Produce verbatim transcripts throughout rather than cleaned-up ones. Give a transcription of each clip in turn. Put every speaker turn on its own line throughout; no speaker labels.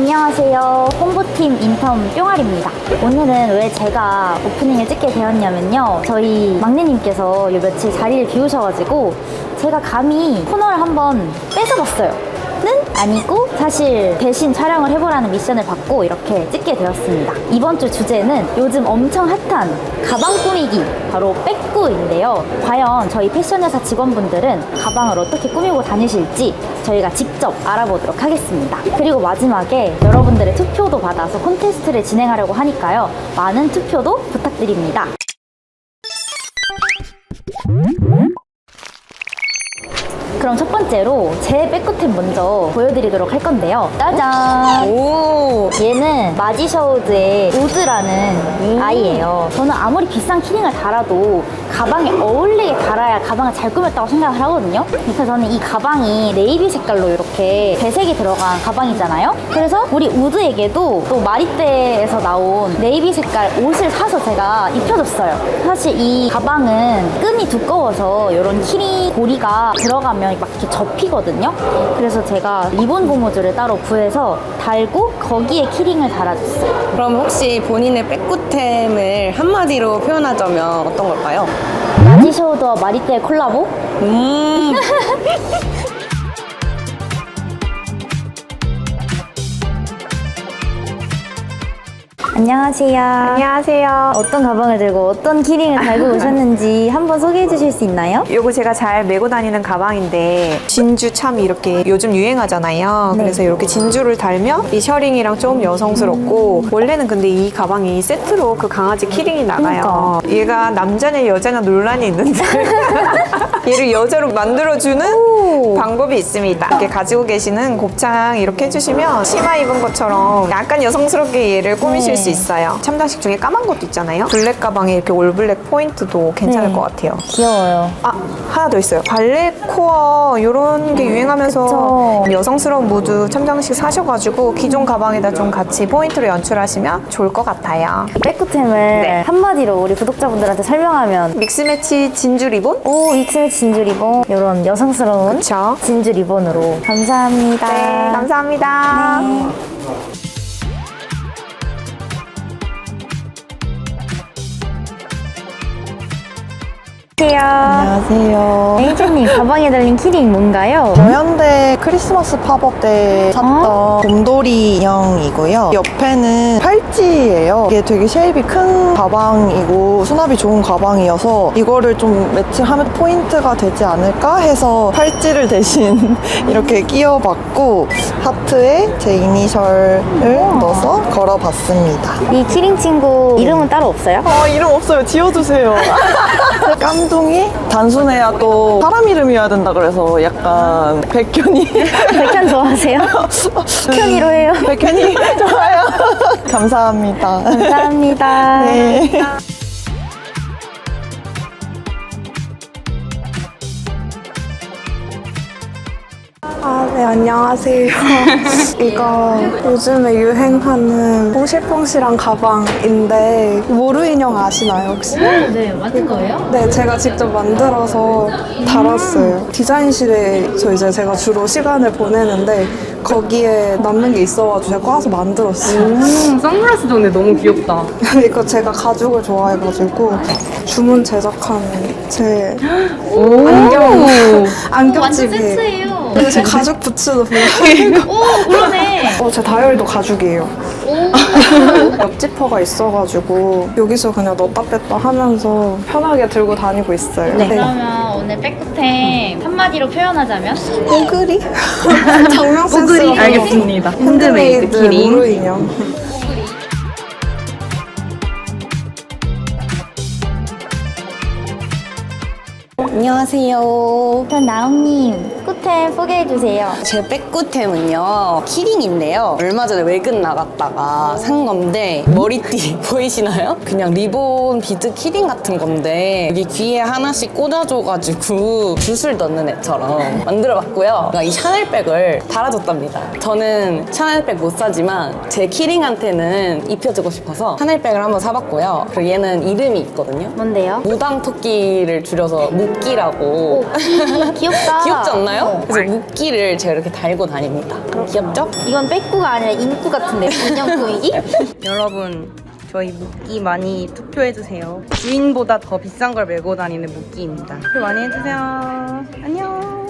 안녕하세요. 홍보팀 인턴 뿅알입니다. 오늘은 왜 제가 오프닝을 찍게 되었냐면요. 저희 막내님께서 요 며칠 자리를 비우셔가지고 제가 감히 코너를 한번 뺏어봤어요. 는 아니고 사실 대신 촬영을 해보라는 미션을 받고 이렇게 찍게 되었습니다. 이번 주 주제는 요즘 엄청 핫한 가방 꾸미기, 바로 백구인데요. 과연 저희 패션 회사 직원분들은 가방을 어떻게 꾸미고 다니실지 저희가 직접 알아보도록 하겠습니다. 그리고 마지막에 여러분들의 투표도 받아서 콘테스트를 진행하려고 하니까요. 많은 투표도 부탁드립니다. 그럼 첫 번째로 제 백구템 먼저 보여드리도록 할 건데요. 짜잔!
오.
얘는 마지셔우즈의 우드라는
음.
아이예요. 저는 아무리 비싼 키링을 달아도 가방에 어울리게 달아야 가방을 잘 꾸몄다고 생각을 하거든요. 그래서 저는 이 가방이 네이비 색깔로 이렇게 배색이 들어간 가방이잖아요. 그래서 우리 우드에게도 또 마리떼에서 나온 네이비 색깔 옷을 사서 제가 입혀줬어요. 사실 이 가방은 끈이 두꺼워서 이런 키링 고리가 들어가면 막 이렇게 접히거든요. 그래서 제가 리본 고무줄을 따로 구해서 달고 거기에 키링을 달아줬어요.
그럼 혹시 본인의 백구템을 한마디로 표현하자면 어떤 걸까요?
마지셔우드와 마리떼의 콜라보?
음.
안녕하세요.
안녕하세요.
어떤 가방을 들고 어떤 키링을 달고 오셨는지 한번 소개해 주실 수 있나요?
요거 제가 잘 메고 다니는 가방인데 진주 참 이렇게 요즘 유행하잖아요.
네.
그래서 이렇게 진주를 달면 이 셔링이랑 좀 여성스럽고 원래는 근데 이 가방이 세트로 그 강아지 키링이 나가요. 얘가 남자냐 여자냐 논란이 있는데 얘를 여자로 만들어주는
오.
방법이 있습니다. 이렇게 가지고 계시는 곱창 이렇게 해주시면 치마 입은 것처럼 약간 여성스럽게 얘를 꾸미실
네.
수 있어요. 첨단식 중에 까만 것도 있잖아요. 블랙 가방에 이렇게 올블랙 포인트도 괜찮을
네.
것 같아요.
귀여워요.
아, 하나 더 있어요. 발레 코어 이런 게 유행하면서
그쵸.
여성스러운 무드 첨장식 사셔가지고 기존 가방에다 좀 같이 포인트로 연출하시면 좋을 것 같아요.
백구템을
네.
한마디로 우리 구독자분들한테 설명하면
믹스매치 진주 리본?
오, 익스매치 진주 리본 이런 여성스러운
그쵸.
진주 리본으로 감사합니다.
네, 감사합니다.
네.
안녕하세요.
에이지님 가방에 달린 키링 뭔가요?
저현대 크리스마스 팝업 때 샀던
어?
곰돌이 인형이고요. 옆에는 팔찌예요. 이게 되게 쉐입이 큰 가방이고 수납이 좋은 가방이어서 이거를 좀 매칭하면 포인트가 되지 않을까 해서 팔찌를 대신 이렇게 끼워봤고 하트에 제 이니셜을 넣어서 걸어봤습니다.
이 키링 친구 이름은 따로 없어요?
아 이름 없어요. 지어주세요. 깜둥이? 단순해야 또 사람 이름이어야 된다 그래서 약간 백현이
백현 좋아하세요? 백현이로 해요.
백현이 좋아요. 감사합니다.
감사합니다.
네.
아, 네, 안녕하세요. 이거 요즘에 유행하는 뽕실뽕실한 가방인데 모루 인형 아시나요, 혹시?
네, 맞은 거예요?
네, 제가 직접 만들어서 달았어요. 디자인실에서 이제 제가 주로 시간을 보내는데 거기에 남는 게 있어가지고 제가 꺼서 만들었어요.
음, 선글라스 정네 너무 귀엽다.
이거 제가 가죽을 좋아해가지고 주문 제작한 제
오.
안경,
완전
안경집이에요.
센스예요.
그리고 제 가죽 부츠도 보여요.
오, 그러네.
어, 제 다이어리도 가죽이에요. 옆 지퍼가 있어가지고 여기서 그냥 넣었다 뺐다 하면서 편하게 들고 다니고 있어요.
네. 그러면 오늘 백구템 한마디로 표현하자면?
뽀글이? 장명 센스가
알겠습니다.
핸드메이드
핸드메이드 키링.
무르 인형.
안녕하세요.
그럼 나옹님, 백구템 소개해주세요.
제 백구템은요 키링인데요. 얼마 전에 외근 나갔다가 산 건데 머리띠 보이시나요? 그냥 리본 비드 키링 같은 건데 여기 귀에 하나씩 꽂아줘가지고 붓을 넣는 애처럼 만들어봤고요. 이 샤넬백을 달아줬답니다. 저는 샤넬백 못 사지만 제 키링한테는 입혀주고 싶어서 샤넬백을 한번 사봤고요. 그리고 얘는 이름이 있거든요.
뭔데요?
무당 토끼를 줄여서 묵기라고.
귀엽다.
귀엽지 않나요? 어, 그래서 묶기를 제가 이렇게 달고 다닙니다. 귀엽죠?
이건 빼꾸가 아니라 인꾸 같은데 인형 꾸미기?
여러분, 저희 묶기 많이 투표해주세요. 주인보다 더 비싼 걸 메고 다니는 묶기입니다. 투표 많이 해주세요. 안녕.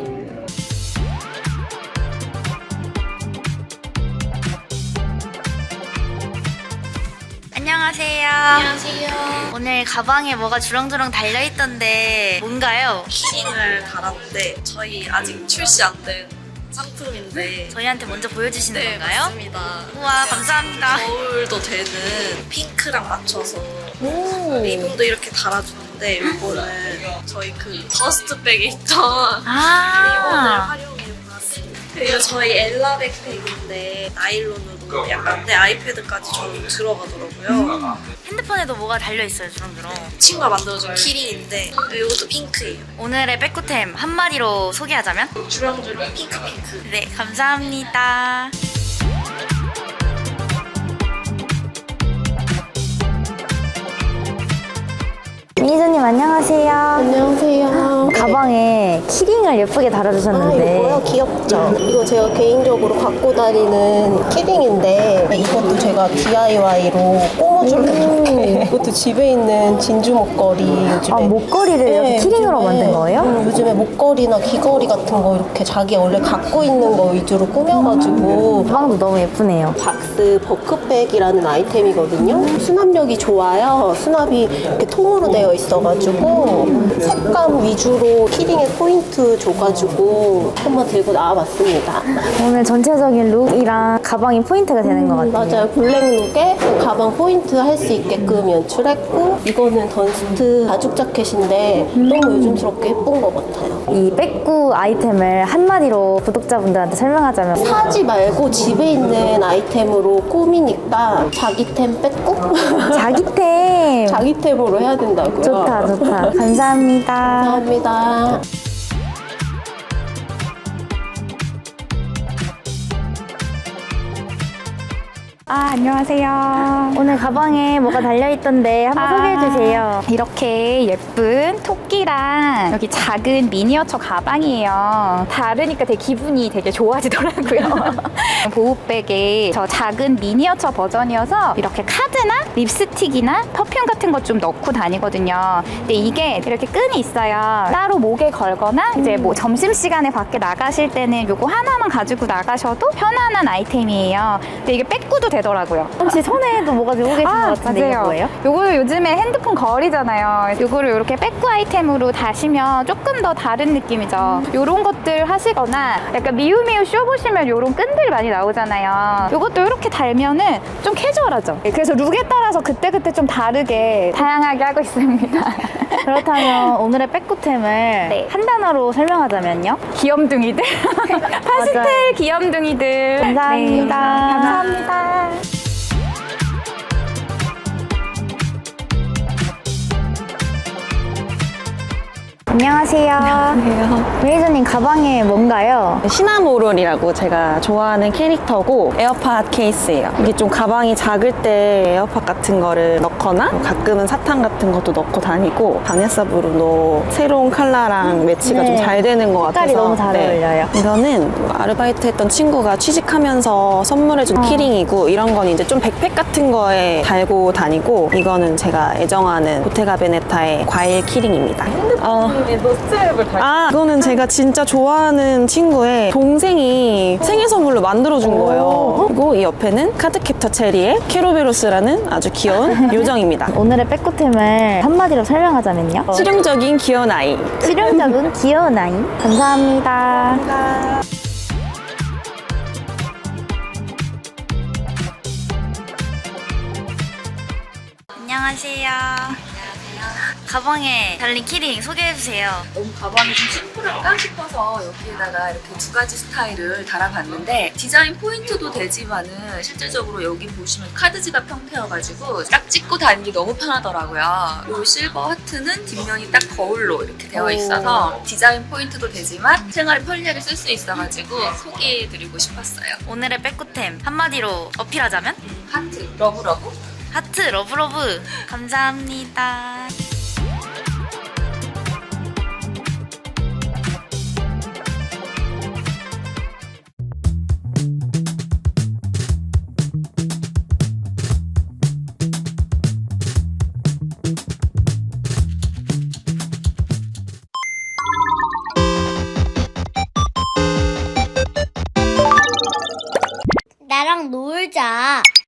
안녕하세요. 안녕하세요. 오늘 가방에 뭐가 주렁주렁 달려있던데 뭔가요?
키링을 달았는데 저희 아직 출시 안 된 상품인데
저희한테 먼저 보여주시는
네,
건가요?
맞습니다.
우와 감사합니다.
겨울도 되는 핑크랑 맞춰서 리본도 이렇게 달아주는데 이거는 저희 그 더스트백에 있던 리본을
아
활용해 봤습니다. 이거 저희 엘라 백팩인데 나일론으로 약간 내 아이패드까지 좀 들어가더라고요.
핸드폰에도 뭐가 달려있어요 주렁주렁.
친구가 만들어준 키링인데 이것도 핑크예요.
오늘의 빼꾸템 한마디로 소개하자면?
주렁주렁 핑크 핑크.
네 감사합니다. 매니저님 안녕하세요.
안녕하세요.
가방에 키링을 예쁘게
아,
달아주셨는데
이거요? 귀엽죠? 이거 제가 개인적으로 갖고 다니는 키링인데 이것도 제가 디아이와이로 꼬무줄게 이것도 집에 있는 진주 목걸이 요즘에
아, 목걸이를 이렇게 키링으로
요즘에,
만든 거예요?
음, 요즘에 목걸이나 귀걸이 같은 거 이렇게 자기 원래 갖고 있는 거 위주로 꾸며가지고
가방도 너무 예쁘네요.
박스 버크백이라는 아이템이거든요. 수납력이 좋아요. 수납이 이렇게 통으로 되어 있어가지고 색감 위주로 키링에 포인트 줘가지고 한번 들고 나와봤습니다.
오늘 전체적인 룩이랑 가방이 포인트가 되는 것 같아요.
맞아요. 블랙룩에 가방 포인트 할 수 있게끔 연출했고 이거는 던스트 가죽 자켓인데 너무 요즘스럽게 예쁜 것 같아요.
이 빼꾸 아이템을 한마디로 구독자분들한테 설명하자면
사지 말고 집에 있는 아이템으로 꾸미니까 자기템 뺏고
자기템.
자기템으로 해야 된다고요.
좋다 좋다. 감사합니다.
감사합니다.
아, 안녕하세요.
오늘 가방에 뭐가 달려있던데 한번
아,
소개해주세요.
이렇게 예쁜 토끼랑 여기 작은 미니어처 가방이에요. 다르니까 되게 기분이 되게 좋아지더라고요. 보호백에 저 작은 미니어처 버전이어서 이렇게 카드나 립스틱이나 퍼퓸 같은 것 좀 넣고 다니거든요. 근데 이게 이렇게 끈이 있어요. 따로 목에 걸거나 이제 뭐 점심시간에 밖에 나가실 때는 요거 하나만 가지고 나가셔도 편안한 아이템이에요. 근데 이게 빼꾸도 되더라고요.
혹시 손에도 뭐가 들고 계신 것 같은데 이게 뭐예요?
요거 요즘에 핸드폰 거리잖아요. 요거를 이렇게 빼꾸 아이템으로 다시면 조금 더 다른 느낌이죠. 요런 것들 하시거나 약간 미우미우 쇼 보시면 요런 끈들 많이 나오잖아요. 요것도 이렇게 달면은 좀 캐주얼하죠. 그래서 룩에 따라서 그때그때 좀 다르게 다양하게 하고 있습니다.
그렇다면 오늘의 빼꾸템을
네.
한 단어로 설명하자면요?
귀염둥이들. 파스텔 귀염둥이들.
감사합니다.
네, 감사합니다.
안녕하세요. 안녕하세요. 매니저님 가방에 뭔가요?
시나모롤이라고 제가 좋아하는 캐릭터고 에어팟 케이스예요. 이게 좀 가방이 작을 때 에어팟 같은 거를 넣거나 뭐 가끔은 사탕 같은 것도 넣고 다니고 바네사 브루노 새로운 컬러랑 매치가
네.
좀 잘 되는 것 같아서
색깔이 너무 잘 어울려요.
이거는 아르바이트 했던 친구가 취직하면서 선물해준
어.
키링이고 이런 건 이제 좀 백팩 같은 거에 달고 다니고 이거는 제가 애정하는 보테가 베네타의 과일 키링입니다. 어. 아, 이거는 제가 진짜 좋아하는 친구의 동생이 생일 선물로 만들어준 거예요. 그리고 이 옆에는 카드캡터 체리의 캐로베로스라는 아주 귀여운 요정입니다.
오늘의 빼꾸템을 한마디로 설명하자면요?
실용적인 귀여운 아이.
실용적인 귀여운 아이. 감사합니다. 안녕하세요. 가방에 달린 키링 소개해주세요.
너무 가방이 좀 심플할까 싶어서 여기에다가 이렇게 두 가지 스타일을 달아봤는데 디자인 포인트도 되지만은 실질적으로 여기 보시면 카드 지갑 형태여가지고 딱 찍고 다니기 너무 편하더라고요. 이 실버 하트는 뒷면이 딱 거울로 이렇게 되어 있어서 디자인 포인트도 되지만 생활 편리하게 쓸 수 있어가지고 소개해드리고 싶었어요.
오늘의 빼꾸템 한마디로 어필하자면?
하트, 러브러브.
하트 러브러브. 감사합니다.
놀자.